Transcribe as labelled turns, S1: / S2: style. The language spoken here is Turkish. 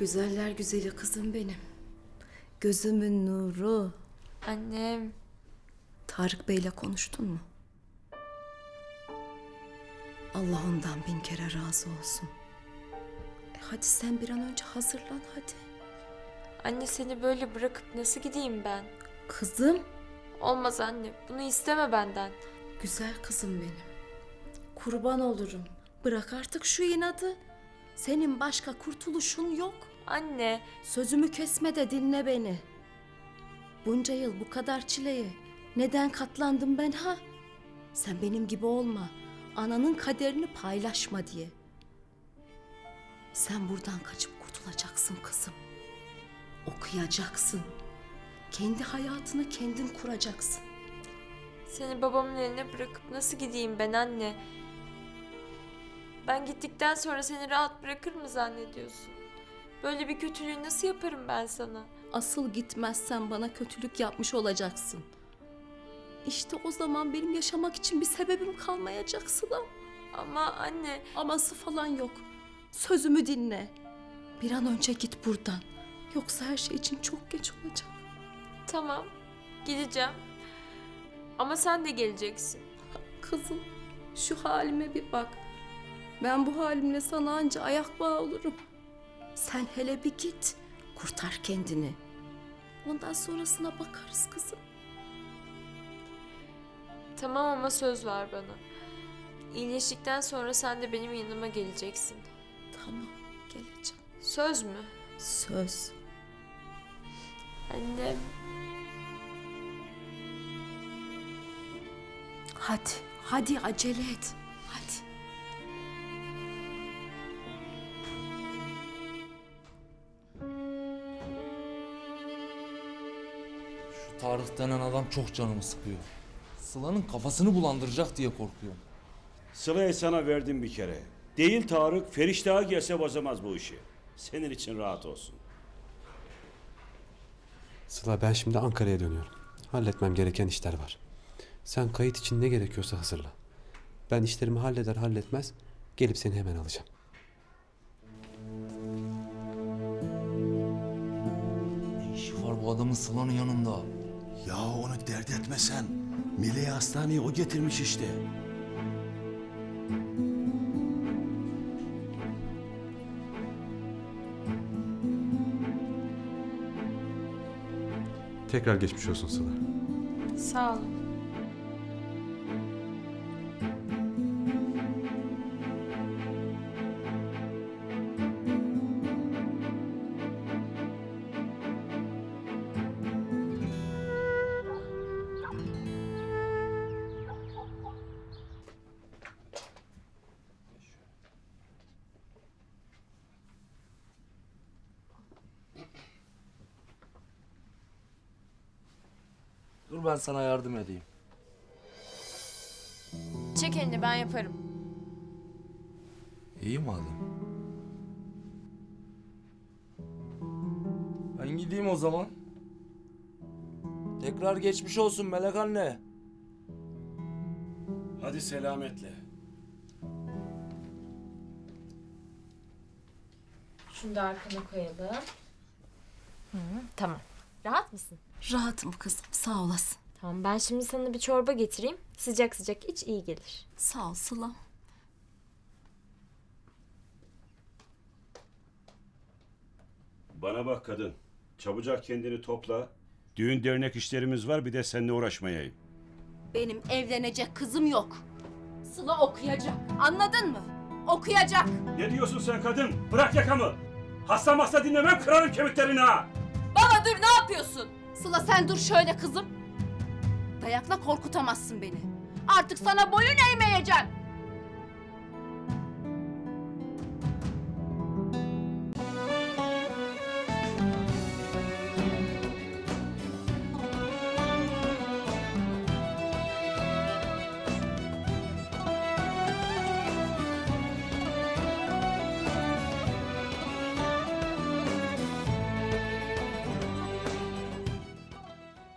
S1: Güzeller güzeli kızım benim. Gözümün nuru.
S2: Annem.
S1: Tarık Bey'le konuştun mu? Allah ondan 1000 kere razı olsun. Hadi sen bir an önce hazırlan hadi.
S2: Anne seni böyle bırakıp nasıl gideyim ben?
S1: Kızım.
S2: Olmaz anne. Bunu isteme benden.
S1: Güzel kızım benim. Kurban olurum. Bırak artık şu inadı. Senin başka kurtuluşun yok.
S2: Anne.
S1: Sözümü kesme de dinle beni. Bunca yıl bu kadar çileye neden katlandım ben ha? Sen benim gibi olma. Ananın kaderini paylaşma diye. Sen buradan kaçıp kurtulacaksın kızım. Okuyacaksın. Kendi hayatını kendin kuracaksın.
S2: Seni babamın eline bırakıp nasıl gideyim ben anne? Ben gittikten sonra seni rahat bırakır mı zannediyorsun? Böyle bir kötülüğü nasıl yaparım ben sana?
S1: Asıl gitmezsen bana kötülük yapmış olacaksın. İşte o zaman benim yaşamak için bir sebebim kalmayacak Sıla.
S2: Ama anne...
S1: Aması falan yok. Sözümü dinle. Bir an önce git buradan. Yoksa her şey için çok geç olacak.
S2: Tamam, gideceğim. Ama sen de geleceksin.
S1: Kızım, şu halime bir bak. Ben bu halimle sana anca ayak bağı olurum. Sen hele bir git. Kurtar kendini. Ondan sonrasına bakarız kızım.
S2: Tamam ama söz ver bana. İyileştikten sonra sen de benim yanıma geleceksin.
S1: Tamam, geleceğim.
S2: Söz mü?
S1: Söz.
S2: Annem.
S1: Hadi acele et. Hadi.
S3: Şu Tarık denen adam çok canımı sıkıyor. Sıla'nın kafasını bulandıracak diye korkuyorum.
S4: Sıla'yı sana verdim bir kere. Değil Tarık, Feriş daha gelse bozamaz bu işi. Senin için rahat olsun.
S5: Sıla, ben şimdi Ankara'ya dönüyorum. Halletmem gereken işler var. Sen kayıt için ne gerekiyorsa hazırla. Ben işlerimi halleder halletmez gelip seni hemen alacağım.
S3: Ne işi var bu adamın Sıla'nın yanında?
S6: Ya onu dert etme sen. Mile'yi hastaneye o getirmiş işte.
S5: Tekrar geçmiş olsun Sıla.
S2: Sağ olun.
S3: Dur ben sana yardım edeyim.
S2: Çek elini, ben yaparım.
S3: İyi madem. Ben gideyim o zaman. Tekrar geçmiş olsun Melek anne.
S4: Hadi selametle.
S2: Şunu da arkana koyalım. Tamam. Rahat mısın?
S1: Rahatım kızım, sağ olasın.
S2: Tamam, ben şimdi sana bir çorba getireyim. Sıcak sıcak iç, iyi gelir.
S1: Sağ ol Sılam.
S4: Bana bak kadın. Çabucak kendini topla. Düğün dernek işlerimiz var, bir de seninle uğraşmayayım.
S1: Benim evlenecek kızım yok. Sıla okuyacak. Anladın mı? Okuyacak.
S4: Ne diyorsun sen kadın? Bırak yakamı. Hasta dinlemem, kırarım kemiklerini ha.
S1: Baba dur, ne yapıyorsun? Sıla sen dur şöyle kızım. Dayakla korkutamazsın beni. Artık sana boyun eğmeyeceğim.